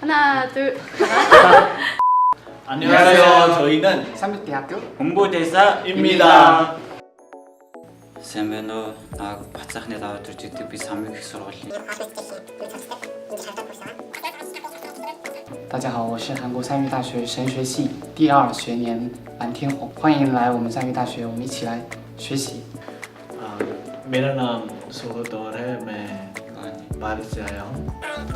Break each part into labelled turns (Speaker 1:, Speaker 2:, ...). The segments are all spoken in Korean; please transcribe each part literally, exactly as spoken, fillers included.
Speaker 1: 하나, 둘.
Speaker 2: 안녕하세요. 저희는
Speaker 1: 삼육대학교
Speaker 2: 홍보대사입니다.
Speaker 3: Сайн наа бацаахны даваа төрж идэг би самыг их сургуулийн
Speaker 1: 大家好，我是韩国三育大学神学系第二学年蓝天红，欢迎来我们三育大学，我们一起来学习。
Speaker 2: 아, मेरा नाम सुगतौर है। मैं बारिश से आया हूँ।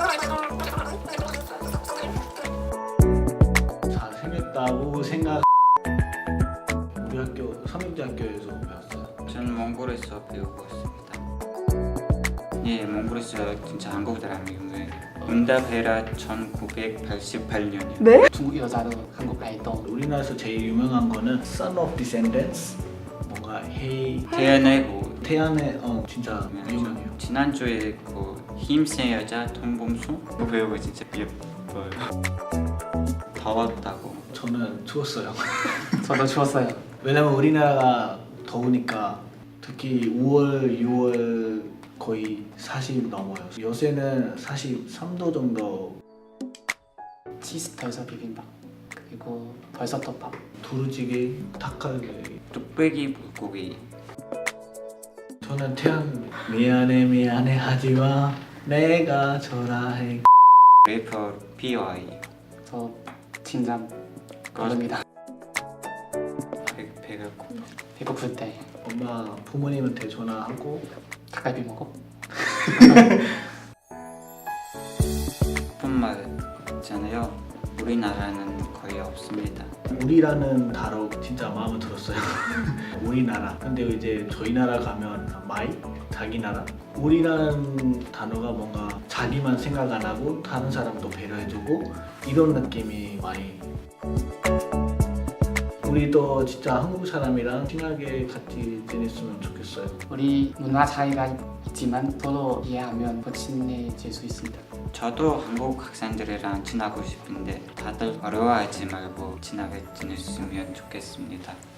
Speaker 2: 잘생겼다고 생각. 우리 학교 삼육대학교에서 배웠어요.
Speaker 3: 저는 몽골에서 배우고 있습니다. 예, 몽골에서 진짜 한국 사람이 유명해요. 응답해라 천구백팔십팔 년이요.
Speaker 1: 네? 중국 여자로 한국 아이돌.
Speaker 2: 우리나라에서 제일 유명한 거는 Son of Descendants. 뭔가 헤이
Speaker 3: 태연의 뭐
Speaker 2: 태연의 어 진짜 유명해요.
Speaker 3: 지난주에 그 힘센 여자 통범수 그 배우가 진짜 예뻐요. 더웠다고.
Speaker 2: 저는 추웠어요.
Speaker 1: 저도 추웠어요.
Speaker 2: 왜냐면 우리나라가 더우니까 특히 오월, 유월 거의 사십 넘어요. 요새는 사십삼 도 정도.
Speaker 1: 치즈 벌써 비빔밥 그리고 벌써 떡밥.
Speaker 2: 두루찌개, 닭갈비.
Speaker 3: 뚝배기 불고기.
Speaker 2: 저는 태연 미안해 미안해 하지마 내가 전화해.
Speaker 3: 래퍼 피와이.
Speaker 1: 저 진짜 모릅니다.
Speaker 3: 배, 배가 고파.
Speaker 1: 배고플 때
Speaker 2: 엄마 부모님한테 전화하고
Speaker 1: 닭갈비 먹어.
Speaker 3: 뿐말 있잖아요. 우리나라는 거의 없습니다.
Speaker 2: 우리라는 단어 진짜 마음에 들었어요. 우리나라. 근데 이제 저희 나라 가면 마이? 자기 나라? 우리라는 단어가 뭔가 자기만 생각 안 하고 다른 사람도 배려해주고 이런 느낌이 많이. 우리도 진짜 한국 사람이랑 친하게 같이 지냈으면 좋겠어요.
Speaker 1: 우리 문화 차이가 있지만 서로 이해하면 더 친해질 수 있습니다.
Speaker 3: 저도 한국 학생들이랑 친하고 싶은데 다들 어려워하지 말고 친하게 지냈으면 좋겠습니다.